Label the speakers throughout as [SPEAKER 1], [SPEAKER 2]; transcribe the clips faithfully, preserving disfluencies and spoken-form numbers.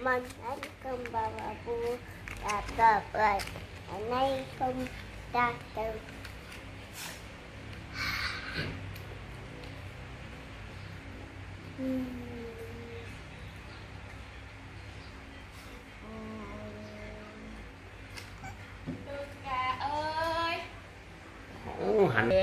[SPEAKER 1] มันอันคำบาบาบูตาตาเปิดอันนี้คำตาเติมอืม
[SPEAKER 2] ลูกแกเอ้ย
[SPEAKER 3] โอ้หัน
[SPEAKER 2] เลย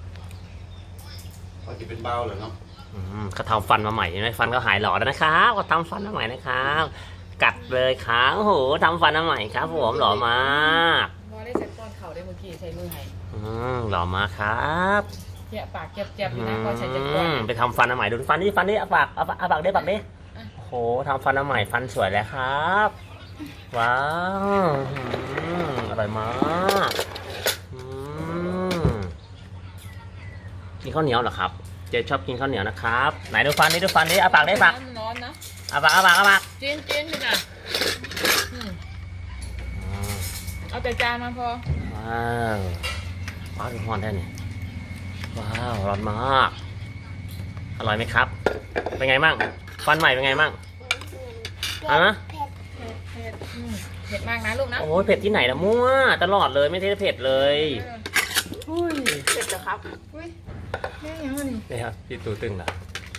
[SPEAKER 4] เขาจะเป็นเบาเหรอเนาะ
[SPEAKER 3] อืมเขาทำฟันมาใหม่ใช่ไหมฟันก็หายหล่อแล้วนะครับเขาทำฟันมาใหม่นะครับกัดเลยครับโอ้โหทำฟันมาใหม่ครับผมหล่อมาก
[SPEAKER 2] พอได้เซ็ตก้อนเข่าได้เมื่อกี้ใช้มือให้
[SPEAKER 3] อืมหล่อมากครับ
[SPEAKER 2] เจี๊ยปากเจี๊ยบเจี๊ยบอ
[SPEAKER 3] อื
[SPEAKER 2] ยู่นะพอใช้เจ็ดก้อน
[SPEAKER 3] มไปทำฟันมาใหม่ดูฟันนี่ฟันนี่เอาปากเอาปากเอาปากได้ปากดิโอ้โหทำฟันมาใหม่ฟันสวยแล้วครับว้าวอืมอร่อยมากอืมกินข้าวเหนียวเหรอครับเจ๊ชอบกินข้าวเหนียวนะครับไหนดูฟันนี่ดูฟันนี่เอาปากได้ปาก
[SPEAKER 2] มันร้อนนะ
[SPEAKER 3] เอาปากเอาปากเอาปาก
[SPEAKER 2] จีนจีนดิน่ะอืมเอาแต่จานมาพอ
[SPEAKER 3] ว้าวว้าวดูฮอนได้เนี่ยว้าวร้อนมากอร่อยไหมครับเป็นไงมั่งฟันใหม่เป็นไงมั่งอ่ะ
[SPEAKER 1] เผ็ด
[SPEAKER 2] เผ็ดเผ็ดอืมเผ็ดมากนะลูกนะ
[SPEAKER 3] โอ้ยเผ็ดที่ไหนละมั่วตลอดเลยไม่ใช่เผ็ดเลยอุ้ย
[SPEAKER 2] เผ็ดเหรอครับอุ้ยแม่ยังไงนี่
[SPEAKER 3] นี่ครับพี่ตูตึงเหรอ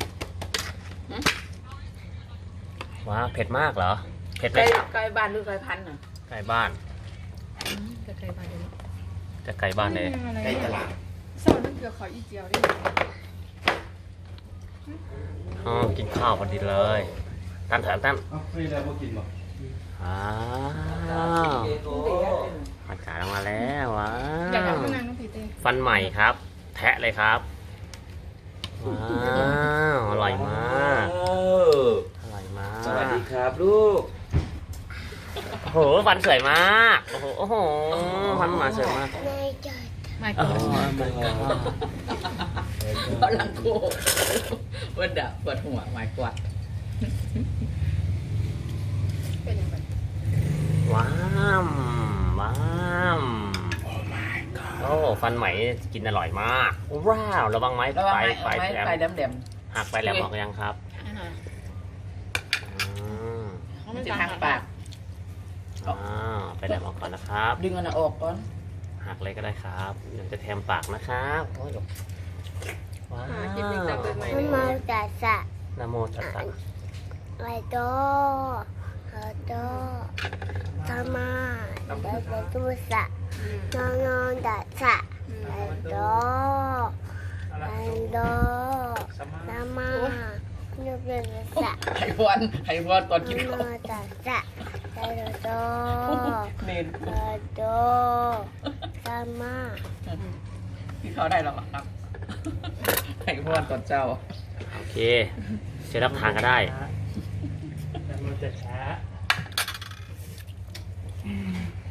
[SPEAKER 3] ว้าวเผ็ดมากเหรอเผ็ดไหม
[SPEAKER 2] ไก่
[SPEAKER 3] ครับ
[SPEAKER 2] ไก่บ้านหรือไก่พันธุ์น่ะ
[SPEAKER 3] ไก่บ้าน
[SPEAKER 2] ไก่ไก่บ้านเดี๋ยวนี้
[SPEAKER 3] จะไก่บ้านเลย
[SPEAKER 4] ใกล้ตลาด
[SPEAKER 2] เศร้านึกเกี่ยวขออีเจียวดิ
[SPEAKER 3] อ๋อกินข้าวพอดีเลยตั้นเถอะตั้น
[SPEAKER 4] เอ้าไม่ได้พวกกินหรอ
[SPEAKER 3] อ้าวอากาศออกมาแล้วว้า
[SPEAKER 2] อยากเอา
[SPEAKER 3] ว
[SPEAKER 2] ข้างในน้องผีเต้
[SPEAKER 3] ฟันใหม่ครับ แทะเลยครับว้าวอร่อยมากอร่อยมาก
[SPEAKER 4] สวัสดีครับลูก
[SPEAKER 3] โอ้โหฟันสวยมากโอ้โหโอ้โหฟันหมาสวยมาก
[SPEAKER 1] ในใจ
[SPEAKER 2] ไม่
[SPEAKER 3] โอ้
[SPEAKER 2] ก่อน
[SPEAKER 3] โหมันก็
[SPEAKER 2] เพราะหลังโควันดะปวดหัวหมายกวาดเป็นยังไง
[SPEAKER 3] ว้ามว้ามโอ้ฟันใหม่กินอร่อยมากว้าวระวังไม้
[SPEAKER 2] ระวัง
[SPEAKER 3] ไป
[SPEAKER 2] ไม้
[SPEAKER 3] ไป
[SPEAKER 2] ไม้
[SPEAKER 3] แหลม
[SPEAKER 2] ไฟแหลม
[SPEAKER 3] หักไปแหลมออกยังครับ
[SPEAKER 2] ๆ
[SPEAKER 3] อืม
[SPEAKER 2] มันจะทางปาก
[SPEAKER 3] อ่าไปแหลมออกก่อนนะครับ
[SPEAKER 2] ดึงอันออกก่อน
[SPEAKER 3] หักเลยก็ได้ครับเดี๋ยวจะแทมปากนะครับโอ้ยว้าว
[SPEAKER 1] มันมาจากสะ
[SPEAKER 3] นะโมตัสสะ
[SPEAKER 1] ไอโตไอโตธรรมาไอโตตุสะนอนนอนดัสสะไอโตไอโตธรรมานุเบสะ
[SPEAKER 2] ไห้วันไห้วันตอนกิน
[SPEAKER 1] น
[SPEAKER 2] ข้าว
[SPEAKER 1] อนดัสสะไอโต
[SPEAKER 2] เนน
[SPEAKER 1] ไอโตธรรมา
[SPEAKER 2] ที่เขาได้หรอครับไห้วันตอนเจ้า
[SPEAKER 3] โอเคจะรับทานก็ได้
[SPEAKER 5] แต่มันจะช้า